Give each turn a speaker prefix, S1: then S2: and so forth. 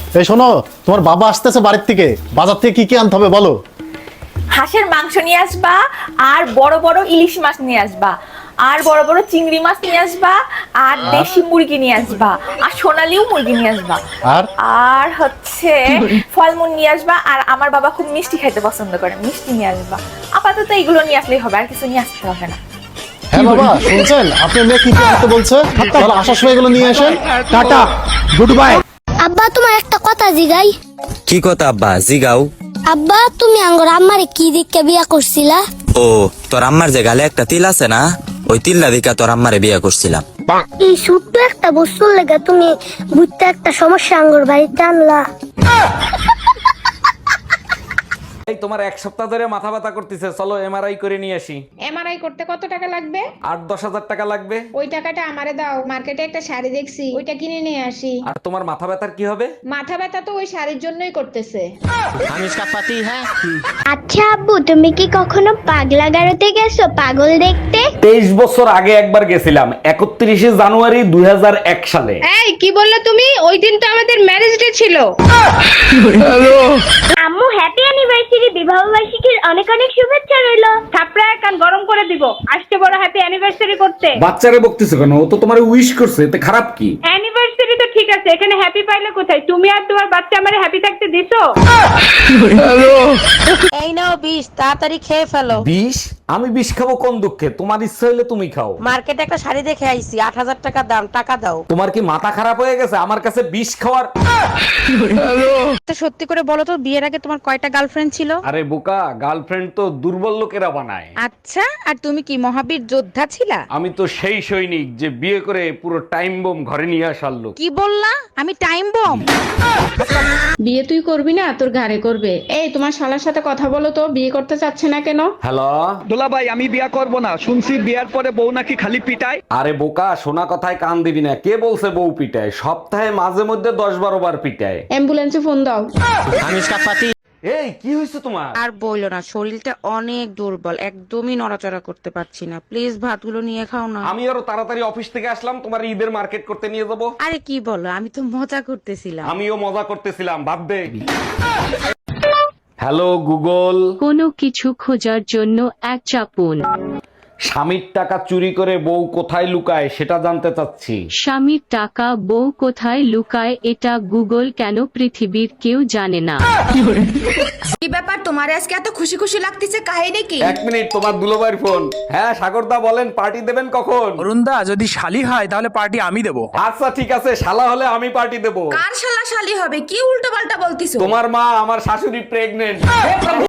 S1: এই শোনো, তোমার বাবা আসতেছে বাড়ির থেকে, বাজার থেকে কি কি আনতে হবে বলো।
S2: হাঁসের মাংস নিয়ে আসবা, আর বড় বড় ইলিশ মাছ নিয়ে আসবা, আর বড় বড় চিংড়ি মাছ নিয়ে আসবা, আর দেশি মুরগি নিয়ে আসবা, আর সোনালিও মুরগি নিয়ে আসবা,
S1: আর
S2: আর হচ্ছে ফলমূল নিয়ে আসবা। আর আমার বাবা খুব মিষ্টি খাইতে পছন্দ করে, মিষ্টি নিয়ে আসবা। আপাতত এগুলো নিয়ে আসলেই হবে, আর কিছু নিয়ে আসতে হবে না।
S1: হ্যাঁ বাবা শুনছেন, আপনার মেয়ে কি কি আনতে বলছে, তাহলে আসার সময় এগুলো নিয়ে আসেন।
S3: Tata, good bye.
S4: আব্বা তোমার একটা কথা জিগাই।
S5: কি কথা আব্বা, জিগাও।
S4: আব্বা তুমি আঙ্গর আম্মারে কি দিকে বিয়া করছিলা?
S5: ও, তোর আম্মার যে গালে একটা তিল আছে না, ওই তিল্লা দিকা তোর আম্মারে বিয়ে করছিলাম।
S4: এই ছোট্ট একটা বস্তুর লেগে তুমি বুঝতে একটা সমস্যা আঙ্গর বাড়িতে আনলা।
S6: এই তোমার এক সপ্তাহ ধরে মাথা ব্যথা করতেছে, চলো এমআরআই করে নিয়ে আসি।
S7: এমআরআই করতে কত টাকা লাগবে?
S6: 8-10 হাজার টাকা লাগবে।
S7: ওই টাকাটা আমারে দাও, মার্কেটে একটা শাড়ি দেখছি, ওইটা কিনে নিয়ে আসি।
S6: আর তোমার মাথা ব্যথার কি হবে?
S7: মাথা ব্যথা তো ওই শাড়ির জন্যই করতেছে।
S4: আচ্ছা আব্বু তুমি কি কখনো পাগলা গারোতে গেছো পাগল দেখতে?
S6: 23 বছর আগে একবার গেছিলাম, 31শে জানুয়ারি 2001 সালে।
S7: এই কি বললে তুমি? ওই দিন তো আমাদের ম্যারেজ ডে ছিল।
S4: আম্মু হ্যাপি অ্যানিভার্সারি, বিবাহ বার্ষিকীর অনেক অনেক শুভেচ্ছা রইলো।
S8: থাপড়ায় কান গরম করে দিব, আসতে বড় হ্যাপি অ্যানিভার্সারি করতে।
S6: বাচ্চারে বকতেছো কেন? ও তো তোমার উইশ করছে, এতে খারাপ কি?
S8: অ্যানিভার্সারি তো ঠিক আছে, এখানে হ্যাপি পাইলে কোথায়? তুমি আর তোমার বাচ্চা আমারে হ্যাপি থাকতে দিছো?
S9: এই নাও 20, তাড়াতাড়ি খেয়ে ফেলো।
S6: 20? আমি 20 খাবো কোন দুঃখে? তোমার ইচ্ছা হইলে তুমি খাও।
S9: মার্কেটে একটা শাড়ি দেখে আইছি, 8,000 টাকা দাম, টাকা দাও।
S6: তোমার কি মাথা খারাপ হয়ে গেছে? আমার কাছে 20 খাওয়ার।
S9: তো সত্যি করে বলো তো, বিয়ের আগে তোমার কয়টা গার্লফ্রেন্ড ছিল?
S6: আরে বোকা, গার্লফ্রেন্ড তো দুর্বল লোকেরা বানায়।
S9: আচ্ছা, আর তুমি কি মহাবীর যোদ্ধা ছিলা?
S6: আমি তো সেই সৈনিক যে বিয়ে করে পুরো টাইম বোম ঘরে নিয়ে আসার লোক।
S9: কি বললা? আমি টাইম বম?
S7: বিয়ে তুই করবি না, তোর ঘাড়ে করবে। এই তোমার শালার সাথে কথা বলো তো, বিয়ে করতে চাচ্ছে না কেন?
S6: হ্যালো।
S3: দোলা ভাই আমি বিয়া করব না, শুনছি বিয়ার পরে বউ নাকি খালি পিটায়।
S6: আরে বোকা, শোনা কথায় কান দিবি না। কে বলছে বউ পিটায়? সপ্তাহে মাঝে মধ্যে 10-12 বার পিটায়।
S7: অ্যাম্বুলেন্সে ফোন দাও।
S6: এই কি হয়েছে তোমার?
S9: আর বইলো না, শরীরটা অনেক দুর্বল, একদমই নড়াচড়া করতে পারছি না। প্লিজ ভাতগুলো নিয়ে খাও না।
S6: আমি আরো তাড়াতাড়ি অফিস থেকে আসলাম, তোমার ঈদের মার্কেট করতে নিয়ে যাবো।
S9: আরে কি বলো, আমি তো মজা করতেছিলাম।
S6: আমিও মজা করতেছিলাম, বাদ দে। Hello Google.
S10: কোনো কিছু খোঁজার জন্য এক চাপুন।
S6: স্বামীর টাকা চুরি করে বউ কোথায় লুকায় সেটা জানতে চাচ্ছি।
S10: স্বামীর টাকা বউ কোথায় লুকায় এটা গুগল কেন পৃথিবীর কেউ জানে না।
S2: কি ব্যাপার তোমার আজকে এত খুশি খুশি লাগতেছে, কাহিনী কি?
S6: 1 মিনিট, তোমার দুলোবাইর ফোন। হ্যাঁ সাগরদা বলেন, পার্টি দেবেন কখন?
S3: অরুণদা যদি শালি হয় তাহলে পার্টি আমি দেবো।
S6: আচ্ছা ঠিক আছে, শালা হলে আমি পার্টি দেবো।
S2: কার শালা শালি হবে? কি উল্টো পাল্টা বলতিছো?
S6: তোমার মা, আমার শাশুড়ি প্রেগনেন্ট।